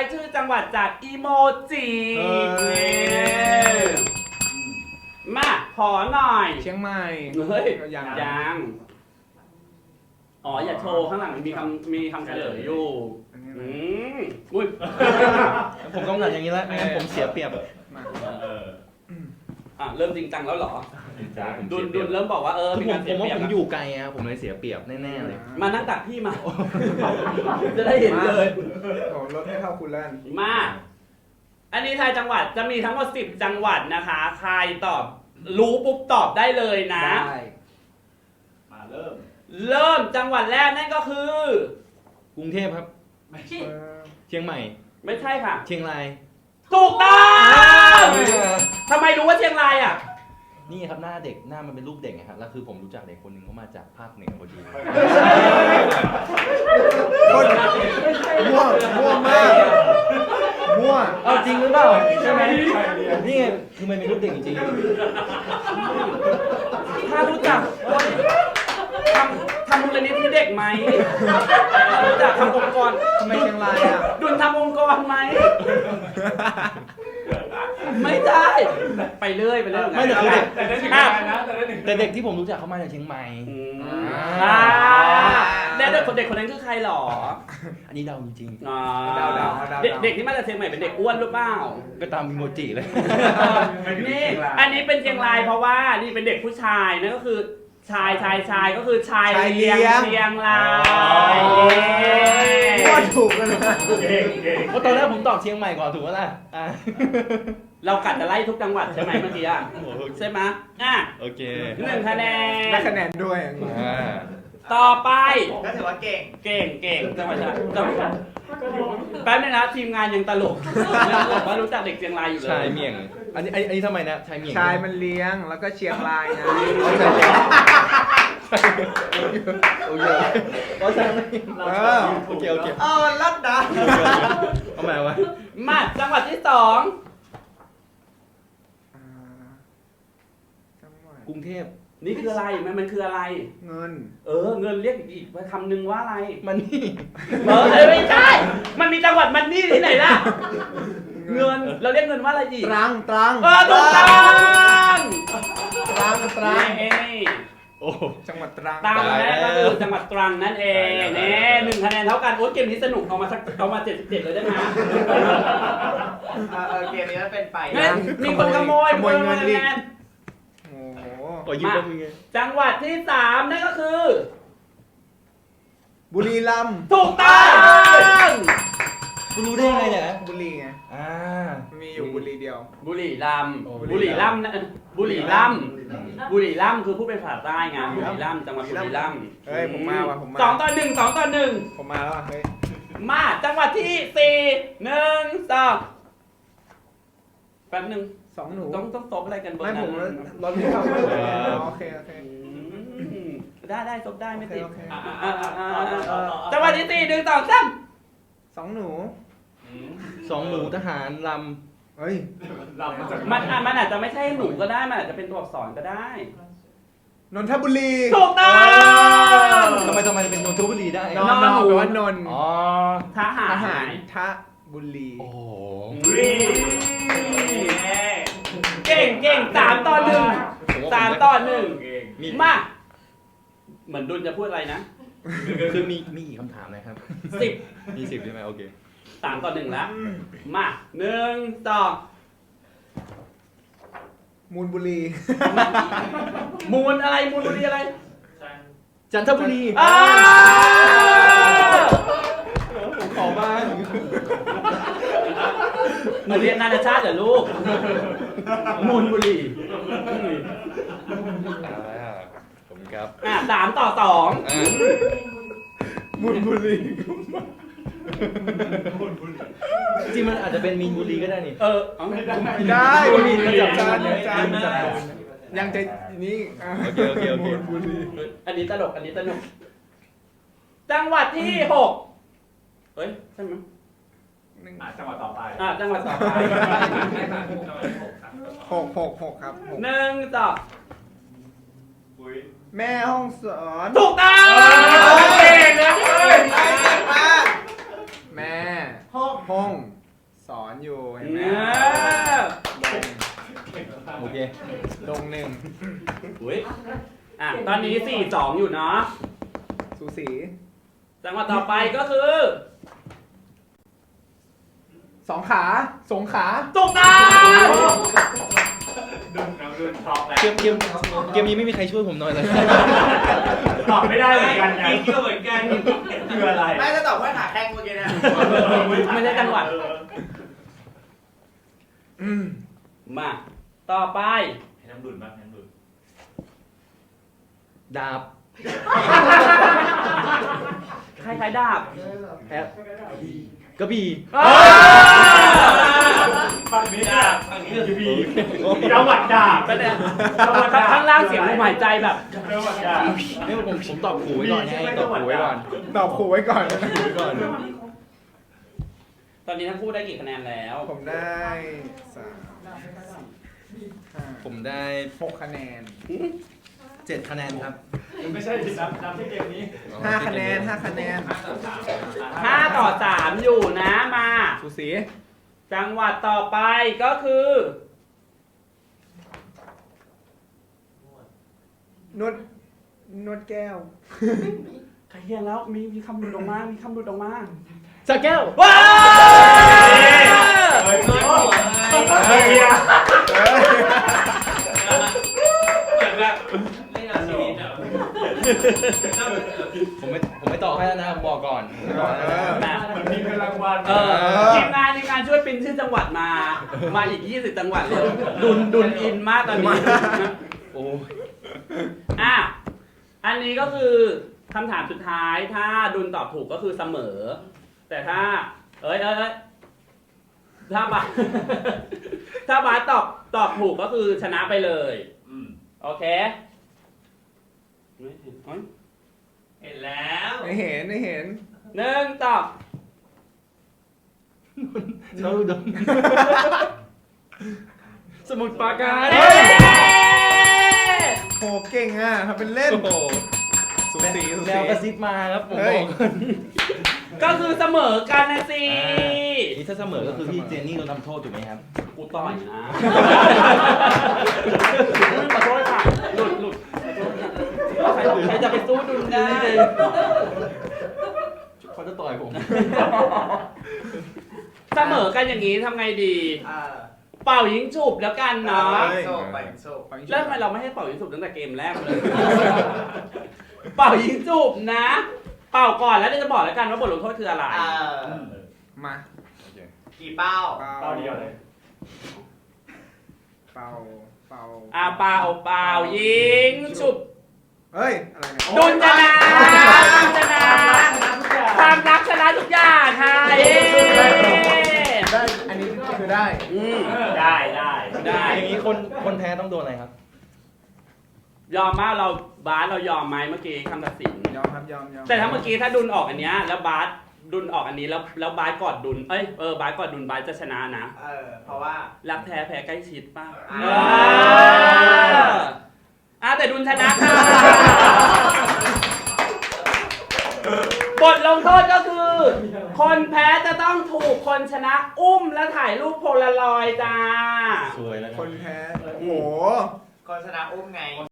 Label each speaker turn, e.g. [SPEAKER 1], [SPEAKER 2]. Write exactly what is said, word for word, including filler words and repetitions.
[SPEAKER 1] ายชื่อจังหวัดจากอีโมจิมาขอหน่อย
[SPEAKER 2] เชียงใหม่
[SPEAKER 1] เฮ้ย
[SPEAKER 2] ยัง
[SPEAKER 1] ยังอ๋ออย่าโชว์ข้างหลังมีคำมีคำเฉลยอยู่อืมอุ้ย
[SPEAKER 3] ผมต้องการอย่างนี้แล้วไม่งั้นผมเสียเปรียบ
[SPEAKER 2] มา
[SPEAKER 1] อ่ะเริ่มจริงจังแล้วเหรอ
[SPEAKER 3] ผม
[SPEAKER 1] ดุ
[SPEAKER 3] เสี
[SPEAKER 1] น
[SPEAKER 3] ยเป
[SPEAKER 1] ดุ
[SPEAKER 3] รียบ
[SPEAKER 1] นเริ่มบอกว่าเออ
[SPEAKER 3] คือ
[SPEAKER 1] มี
[SPEAKER 3] ผ
[SPEAKER 1] กาม ร
[SPEAKER 3] ผ
[SPEAKER 1] เสีย
[SPEAKER 3] ม
[SPEAKER 1] เป
[SPEAKER 3] ว่า
[SPEAKER 1] รียบ
[SPEAKER 3] ผมอยู่ไกลอะผมเลยเสียเปรียบแน่ๆเลย
[SPEAKER 1] มานั่งตักพี่มา จะได้เห็นเลย
[SPEAKER 2] โอ้ลดให้เท่าคุณแล้วกัน
[SPEAKER 1] มา อันนี้ทายจังหวัดจะมีทั้งหมดสิบจังหวัดนะคะใครตอบรู้ปุ๊บตอบได้เลยนะ
[SPEAKER 2] ได้
[SPEAKER 4] มาเริ่ม
[SPEAKER 1] เริ่มจังหวัดแรกนั่นก็คือ
[SPEAKER 3] กรุงเทพครับ
[SPEAKER 4] ไม่ใช่
[SPEAKER 2] เออ
[SPEAKER 3] เชียงใหม่
[SPEAKER 1] ไม่ใช่ค่ะ
[SPEAKER 3] เชียงราย
[SPEAKER 1] ถูกต้องทำไมรู้ว่าเชียงรายอ่ะ
[SPEAKER 3] นี่ครับหน้าเด็กหน้ามันเป็นรูปเด็กนะครับแล้วคือผมรู้จักเด็กคนหนึ่งเขามาจากภาคเหนือพอดี
[SPEAKER 2] คนมั่วมั่วมากมั่ว
[SPEAKER 3] เอาจริงหรือเปล่าใช่ไหมนี่ไงคือมันเป็นรูปเด็กจริง
[SPEAKER 1] ถ้ารู้จักทำทำมูลนิธิเด็กไหมรู้จักทำองค์กร
[SPEAKER 2] ทำไมเชียงรายอ่ะ
[SPEAKER 1] ดุลทำองค์กรไหม ไม่ได้ไปเรื่อยไปเรื่อย
[SPEAKER 3] ไม่แต่คือเด็ก
[SPEAKER 4] แต่ได้หนึ่งคะแนนนะแต่ได้หนึ่ง
[SPEAKER 3] แต่เด็กที่ผมรู้จักเขามาจากเชียงใหม่
[SPEAKER 1] อืม
[SPEAKER 2] อ่า
[SPEAKER 1] แล้วเด็กคนเด็กคนนั้นคือใครหรอ
[SPEAKER 3] อันนี้เดาจริง
[SPEAKER 1] อ่า
[SPEAKER 2] เดาเดาเดา
[SPEAKER 1] เด็กเด็กที่มาจากเชียงใหม่เป็นเด็กอ้วนหรือเปล่า
[SPEAKER 3] ๆก็ตามอีโมจิเลย
[SPEAKER 1] นี่อันนี้เป็นเชียงรายเพราะว่านี่เป็นเด็กผู้ชายนั่นก็คือชายชายชายก็คือชายเลี้ยงเชียงราย
[SPEAKER 2] มั่วถูกกันเลย
[SPEAKER 4] เก่งเก่ง
[SPEAKER 3] เพราะตอนแรกผมตอบเชียงใหม่ก่อนถูกไหมล่ะอ่ะ
[SPEAKER 1] เรากัดจะไล่ทุกจังหวัดใช่ไหมเมื่อกี้อ่ะใช่ไหมอ่ะ
[SPEAKER 3] โอเค
[SPEAKER 1] หนึ่งคะแน
[SPEAKER 2] ได้
[SPEAKER 1] น
[SPEAKER 2] คะแนนด้วย
[SPEAKER 3] อ่า
[SPEAKER 1] ต่อไป
[SPEAKER 4] ก็ถือว่าเก่ง
[SPEAKER 1] เก่งเก่งจังหวัดจังหวัดแป๊บนึงนะทีมงานยังตลกยังบอกว่ารู้จักเด็กเชียงรายอยู่เลย
[SPEAKER 3] ชายเมี่ยง อันนี้อันนี้อันนี้ทำไมนะชายเมี่ยง
[SPEAKER 2] ชายมันเลี้ยงแล้วก็เชียงรายไง
[SPEAKER 3] โอเคก็ชายเมี่ยง
[SPEAKER 2] เออ
[SPEAKER 3] โอเคโอเค
[SPEAKER 2] เออรัดนะ
[SPEAKER 3] เอาใหม่วะ
[SPEAKER 1] มาจังหวัดที่สอง
[SPEAKER 2] อ่าจังหวัด
[SPEAKER 3] กรุงเทพ
[SPEAKER 1] นี่คืออะไรมันมันคืออะไร
[SPEAKER 2] เงิน
[SPEAKER 1] เออเงินเรียกอีกคำหนึ่งว่าอะไร
[SPEAKER 3] มันนี่
[SPEAKER 1] เออไม่ใช่ มันมีจังหวัดมันนี่ที่ไหนล่ะ เงินเราเรียกเงินว่าอะไรอีก
[SPEAKER 2] ตรังตรัง
[SPEAKER 1] เออถูกต้อง
[SPEAKER 2] ตรังตรัง
[SPEAKER 1] นี่
[SPEAKER 3] โอ้
[SPEAKER 2] จังหวัดตรัง
[SPEAKER 1] ตามมาแรกก็คือจังหวัดตรังนั่นเองนี่หนึ่งคะแนนเท่ากันโอ้เกมนี้สนุกเอามาสักเอามาเจ็ดสิบเจ็ดเลยได้ไหม
[SPEAKER 4] เออเกมนี้มันเป็นไป
[SPEAKER 1] เฮ้ยมีคนขโมย
[SPEAKER 2] ขโมยเงิน
[SPEAKER 1] ขโม
[SPEAKER 2] อีก
[SPEAKER 1] คะแน
[SPEAKER 2] โอ้โห
[SPEAKER 3] โอ้ยยืมได้มึงไง
[SPEAKER 1] จังหวัดที่สามนั่นก็คือ
[SPEAKER 2] บุรีรัมย์
[SPEAKER 1] ถูกต้อง
[SPEAKER 3] คุณรู้ได้ยังไงเนี่ย
[SPEAKER 2] บุรีไง
[SPEAKER 3] อ่า
[SPEAKER 2] มีอยู่บุรีเดียว
[SPEAKER 1] บุรีรัมย์
[SPEAKER 3] โอ้
[SPEAKER 1] บุรีรัมย์นะบุรีรัมย์บุรีรัมย์คือผู้เป็นภาษาใต้ไงบุรีรัมย์จังหวัดบุรีรัมย์
[SPEAKER 2] เฮ้ยผมมาว่ะผมมา
[SPEAKER 1] สองต่อหนึ่งสองต่อหนึ่ง
[SPEAKER 2] ผมมาแล้วอ่ะเฮ้ย
[SPEAKER 1] มาจังหวัดที่สี่หนึ่งสองแป๊บหนึ่ง
[SPEAKER 2] สองหนู
[SPEAKER 1] ต้องต้องตบอะไรกันเบอร์
[SPEAKER 2] ไม่
[SPEAKER 1] นั้
[SPEAKER 2] ผม
[SPEAKER 1] น
[SPEAKER 2] รถไม่เข้าโอเคโอเค
[SPEAKER 1] อืมได้ได้ตบได้ไม่ติด
[SPEAKER 2] โอเคโอเค
[SPEAKER 1] อ่ะอ่ะอ่ะอ่ะอ่ะจังหวัดที่สี่หนึ่งสองสาม
[SPEAKER 2] สองหนู
[SPEAKER 3] สองหนูทหารล
[SPEAKER 2] เฮ้ย
[SPEAKER 4] เรามาจาก
[SPEAKER 1] มันอ่ะมันอาจจะไม่ใช่หนูก็ได้มันอาจจะเป็นตัวอักษรก็ได้
[SPEAKER 2] นนทบุรี
[SPEAKER 1] ถูกต้อง
[SPEAKER 3] ำทำไมทำไมเป็นนนทบุรีได้
[SPEAKER 2] นอนนอนแปลว่านนท์
[SPEAKER 3] อ๋อ
[SPEAKER 1] ทหาร
[SPEAKER 2] ทหารทะบุรี
[SPEAKER 3] โอ้โห
[SPEAKER 1] เก่งเก่งสามต่อหนึ่งสามต่อหนึ่ง
[SPEAKER 4] เก่ง
[SPEAKER 3] มี
[SPEAKER 1] มา เหมือนดุลจะพูดอะไรนะ
[SPEAKER 3] คือมีมีกี่คำถามนะครับ
[SPEAKER 1] สิบ
[SPEAKER 3] มีสิบใช่ไหมโอเค
[SPEAKER 1] สามต่อหนึ่งแล้ว มาหนึ่งสอง
[SPEAKER 2] มูลบุรี
[SPEAKER 1] มูลอะไรมูลบุรีอะไร
[SPEAKER 3] จันทบุรี
[SPEAKER 1] อ้า
[SPEAKER 3] ผมขอบ้าง
[SPEAKER 1] หนูเรียนนานาชาติเหรอลูก มูลบุรี
[SPEAKER 3] อ่าผมครับ
[SPEAKER 1] อ่ะสามต่อสอง
[SPEAKER 3] อ่า
[SPEAKER 2] มูลบุรี
[SPEAKER 3] จริงๆมันอาจจะเป็นมีนบุรีก็ได้นี่
[SPEAKER 1] เออเอาไม่ได้
[SPEAKER 2] ได้บุรี
[SPEAKER 3] มันจับ
[SPEAKER 2] จาน
[SPEAKER 3] ได้
[SPEAKER 2] จาน
[SPEAKER 3] มันจับได้
[SPEAKER 2] ยังจะนี่อ่ะ
[SPEAKER 3] โอเคโอเคโอเค
[SPEAKER 2] มูลบุรี
[SPEAKER 1] อันนี้ตลก อันนี้ตลก จังหวัดที่หกเฮ้ย ใช่ไหม
[SPEAKER 2] หนึ่ง
[SPEAKER 4] อ่ะจังหวัดต่อไป
[SPEAKER 1] อ่ะจังหวัดต่อไป
[SPEAKER 2] หกหกหกครับหก
[SPEAKER 1] หนึ่งสอง
[SPEAKER 4] ปุ้ย
[SPEAKER 2] แม่ห้องสอน
[SPEAKER 1] ถูกต้องเก่งนะเว้ย
[SPEAKER 2] แม่
[SPEAKER 4] ห้อง
[SPEAKER 2] ห้องสอนอยู่เห็นไหม
[SPEAKER 1] เออ
[SPEAKER 3] โอเค
[SPEAKER 2] ลงหนึ่ง
[SPEAKER 1] อุ้ยอ่ะตอนนี้สี่สองอยู่เนาะ
[SPEAKER 2] สูสี
[SPEAKER 1] จังหวะต่อไปก็คือ
[SPEAKER 2] สองขาสงขา
[SPEAKER 1] ตุกตา
[SPEAKER 5] ดุนน้องดุนท็อปแล้ว
[SPEAKER 3] เกมเกมเกมนี้ไม่มีใครช่วยผมหน่อยเลย
[SPEAKER 5] ตอบไม่ได้เหมือนกันนะก็เหมือนกันคืออะไร
[SPEAKER 4] ไม่จะตอบว่าขาแข้งเมื่อกี้เนี่ย
[SPEAKER 1] ไม่ใช่จังหวัด
[SPEAKER 2] อืม
[SPEAKER 1] มาต่อไป
[SPEAKER 5] ให้น้ำดุนบ้างให้น้ำดุน
[SPEAKER 3] ดาบ
[SPEAKER 1] ใครใครดาบ
[SPEAKER 3] แอปกระบี่
[SPEAKER 5] ฝั่งนี้ดาบฝั่งนี้คือบีจังหวัดดาบ
[SPEAKER 1] ก็เนี่ยข้างล่างเสียงลมหายใจแบบ
[SPEAKER 5] จังหวัดดาบ
[SPEAKER 3] ไม่ผมผมตอบขู่ไว้ก่อนไงตอบขู่ไว้ก่อน
[SPEAKER 2] ตอบขู่ไว้ก่อน
[SPEAKER 3] ไว้ก่อน
[SPEAKER 1] ตอนนี้ทั้งคู่ได้กี่คะแนนแล้ว
[SPEAKER 2] ผมได้สามห้า
[SPEAKER 3] ผมได้
[SPEAKER 2] หกคะแนน
[SPEAKER 3] เจ็ดคะแนนครับ
[SPEAKER 5] ไม่ใช่นับนับที่เกมนี้
[SPEAKER 2] ห้าคะแนนห้าคะแนน
[SPEAKER 1] ห้าต่อสามอยู่นะมา
[SPEAKER 2] สูสี
[SPEAKER 1] จังหวัดต่อไปก็คือ
[SPEAKER 2] นวดนวดแก้ว
[SPEAKER 1] ใครเฮียนแล้วมีมีคำหลุดออกมามีคำหลุดออกมา
[SPEAKER 3] สะแก้ว
[SPEAKER 1] ว้าว
[SPEAKER 5] เฮ้ยเฮ้ยเฮีย
[SPEAKER 3] ผมไม่ผมไม่ตอบให้แล้วนะผมบอกก่อนผมบอกแล้วนะ
[SPEAKER 1] นะ
[SPEAKER 5] เหมือนมีเงินรางวัล
[SPEAKER 1] เออทีมงานทีมงานช่วยปริ้นชื่อจังหวัดมา มาอีกยี่สิบจังหวัดเลยดุนดุนอินมากตอนนี้
[SPEAKER 3] โอ้ย
[SPEAKER 1] อ่ะอันนี้ก็คือคำถามสุดท้ายถ้าดุนตอบถูกก็คือเสมอ แต่ถ้า เอ้ยเอ้ยเอ้ยถ้าบาส ถ้าบาสตอบตอบถูกก็คือชนะไปเลย
[SPEAKER 5] อืม
[SPEAKER 1] โอเคไม่เห็นเอ้ย
[SPEAKER 5] เห็นแล้ว
[SPEAKER 2] ไม่เห็นไม่เห็น
[SPEAKER 1] หนึ่งตอบ
[SPEAKER 3] เท่าเดิมสมุดปราการ
[SPEAKER 1] เอ๊ะ
[SPEAKER 2] โหเก่งอ่ะทำเป็นเล่น
[SPEAKER 3] โอ้โห
[SPEAKER 2] สูสีสู
[SPEAKER 3] แน
[SPEAKER 2] สี
[SPEAKER 3] วกระซิบมาครับผม
[SPEAKER 2] เฮ้
[SPEAKER 3] บ
[SPEAKER 2] ย
[SPEAKER 3] อกก่อน
[SPEAKER 1] ก็คือเสมอกันนะสิ
[SPEAKER 3] นี่ถ้าเสมอก็คือพี่เจนนี่โดนทำโทษถูกไหมครับ
[SPEAKER 1] กูต่อยนะ ขอโทษค่ะ หลุดหลุดขอโทษค่ะใครใครจะไปสู้ดุนได้
[SPEAKER 3] เขาจะต่อยผม
[SPEAKER 1] เสมอกันอย่างนี้ทำไงดี
[SPEAKER 4] อ่า
[SPEAKER 1] เป่ายิงฉุบแล้วกันเนาะ
[SPEAKER 4] โซ่ไปโซ่
[SPEAKER 1] แล้วทำไมเราไม่ให้เป่ายิงฉุบตั้งแต่เกมแรกเลย เป่ายิงฉุบนะ เป่าก่อนแล้วเดี๋ยวจะบอกแล้วกันว่าบทลงโทษคืออะไร
[SPEAKER 4] อ่า
[SPEAKER 2] มา
[SPEAKER 4] กี่เป้า
[SPEAKER 2] เป่า
[SPEAKER 5] เป้าเดียวเลย
[SPEAKER 2] เป่าเป่า
[SPEAKER 1] อ่าเป่าเป่ายิงฉุบ
[SPEAKER 2] เฮ้ยอะไรเนี่ย
[SPEAKER 1] ดุนชนะดุนชนะความรักชนะทุกอย่างค่ะเย้
[SPEAKER 2] ได้อันนี้คือได้
[SPEAKER 1] อืม
[SPEAKER 5] ได้ได้
[SPEAKER 1] ได้
[SPEAKER 3] อย่างนี้คนคนแพ้ต้องโดนอะไรครับ
[SPEAKER 1] ยอมมากเราบาสเรายอมไหมเมื่อกี้คำตัดสิน
[SPEAKER 2] ยอมครับยอมยอม
[SPEAKER 1] แต่ถ้าเมื่อกี้ถ้าดุนออกอันเนี้ยแล้วบาสดุนออกอันนี้แล้วแล้วบาสกอดดุนเอ้ยเออบาสกอดดุนบาสจะชนะนะ
[SPEAKER 4] เออ เพราะว่า
[SPEAKER 1] รักแท้แพ้ใกล้ชิดป่ะ
[SPEAKER 4] อ่า
[SPEAKER 1] เอออ่ะแต่ดุนชนะค่ะ บทลงโทษก็คือ คนแพ้จะต้องถูกคนชนะอุ้มและถ่ายรูปโพลารอยด์จ้า
[SPEAKER 3] สวยแล้ว
[SPEAKER 2] คนแพ้โอ้โห
[SPEAKER 4] คนชนะอุ้มไง